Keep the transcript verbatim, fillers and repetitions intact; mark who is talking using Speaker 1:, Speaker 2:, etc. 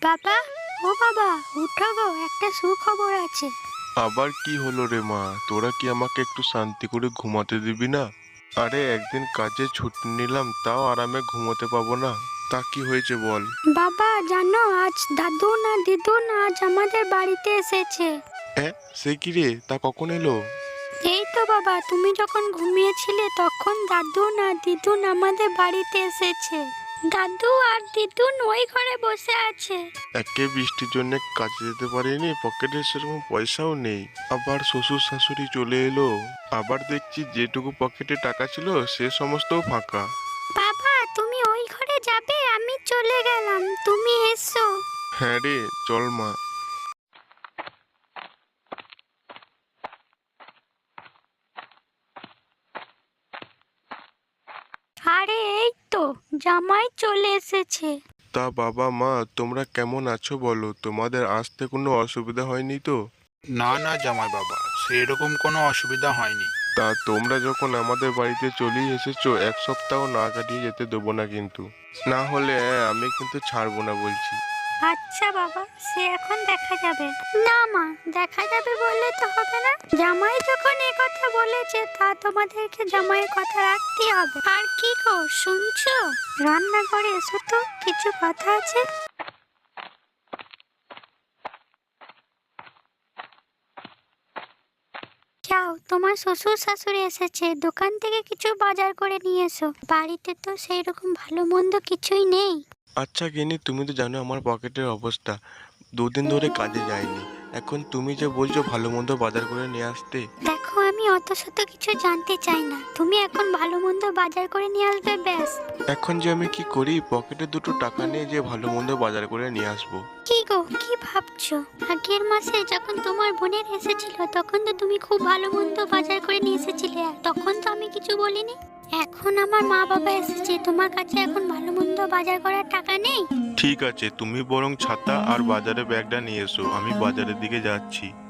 Speaker 1: বাবা, ও বাবা, উঠো গো, একটা সুখবর আছে।
Speaker 2: আবার কি হলো রে মা? তোরা কি আমাকে একটু শান্তি করে ঘুমাতে দিবি না? আরে একদিন কাজে ছুটি নিলাম, তাও আরামে ঘুমোতে পাবো না? তা কি হয়েছে বল?
Speaker 1: বাবা জানো, আজ দাদু না দিদুন আজ আমাদের বাড়িতে এসেছে।
Speaker 2: হ্যাঁ, সে কি রে? তা কখন এলো?
Speaker 1: এই তো বাবা, তুমি যখন ঘুমিয়েছিলে তখন দাদু না দিদুন আমাদের বাড়িতে এসেছে। দাদু আর দিদুন ওই ঘরে বসে আছে।
Speaker 2: একে বৃষ্টির জন্য কাজে যেতে পারিনি, পকেটে সেরকম পয়সাও নেই। আবার শ্বশুর শাশুড়ি চলে এলো। আবার দেখছি যেটুকু পকেটে টাকা ছিল সে সমস্তও ফাঁকা।
Speaker 1: বাবা, তুমি ওই ঘরে যাবে, আমি চলে গেলাম, তুমি এসো।
Speaker 2: হ্যাঁ রে, চল মা।
Speaker 1: আরে এই তো জামাই চলে এসেছে।
Speaker 2: তা বাবা মা তোমরা কেমন আছো বলো? তোমাদের আসতে কোনো অসুবিধা হয়নি তো?
Speaker 3: না না জামাই বাবা, সেরকম কোনো অসুবিধা হয়নি।
Speaker 2: তা তোমরা যখন আমাদের বাড়িতে চলেই এসেছো, এক সপ্তাহ না কাটিয়ে যেতে দেবো না কিন্তু। না হলে আমি কিন্তু ছাড়বো না বলছি।
Speaker 1: আচ্ছা বাবা, সে এখন দেখা যাবে। না মা, দেখা যাবে বললে তো হবে না। জামাই যখন এ কথা বলেছে, তা তোমাদেরকে জামাইয়ের কথা রাখতে হবে। আর কি গো, শুনছো? রান্নাঘরে এসো তো, কিছু কথা আছে। যাও, তোমার শ্বশুর শাশুড়ি এসেছে, দোকান থেকে কিছু বাজার করে নিয়ে এসো। বাড়িতে তো সেই রকম ভালো মন্দ কিছুই নেই।
Speaker 2: আচ্ছা গিন্নি, তুমি তো জানো আমার পকেটের অবস্থা। দুদিন ধরে কাজে যাইনি। এখন তুমি যে বলছো ভালো মন্দ বাজার করে নিয়ে আসতে।
Speaker 1: দেখো, আমি অত শত কিছু জানতে চাই না, তুমি এখন ভালো মন্দ বাজার করে নিয়ে আসবে, ব্যাস।
Speaker 2: এখন যে আমি কি করি, পকেটে দুটো টাকা নিয়ে যে ভালো মন্দ বাজার করে নিয়ে আসবো?
Speaker 1: কি গো, কি ভাবছো? আগের মাসে যখন তোমার বোনের এসেছিল, তখন তো তুমি খুব ভালো মন্দ বাজার করে নিয়ে এসেছিলে, আর তখন তো আমি কিছু বলিনি। এখন আমার মা বাবা এসেছে, তোমার কাছে এখন ভালো মন্দ বাজার করার টাকা নেই।
Speaker 2: ঠিক আছে, তুমি বরং ছাতা আর বাজারে ব্যাগটা নিয়ে এসো, আমি বাজারের দিকে যাচ্ছি।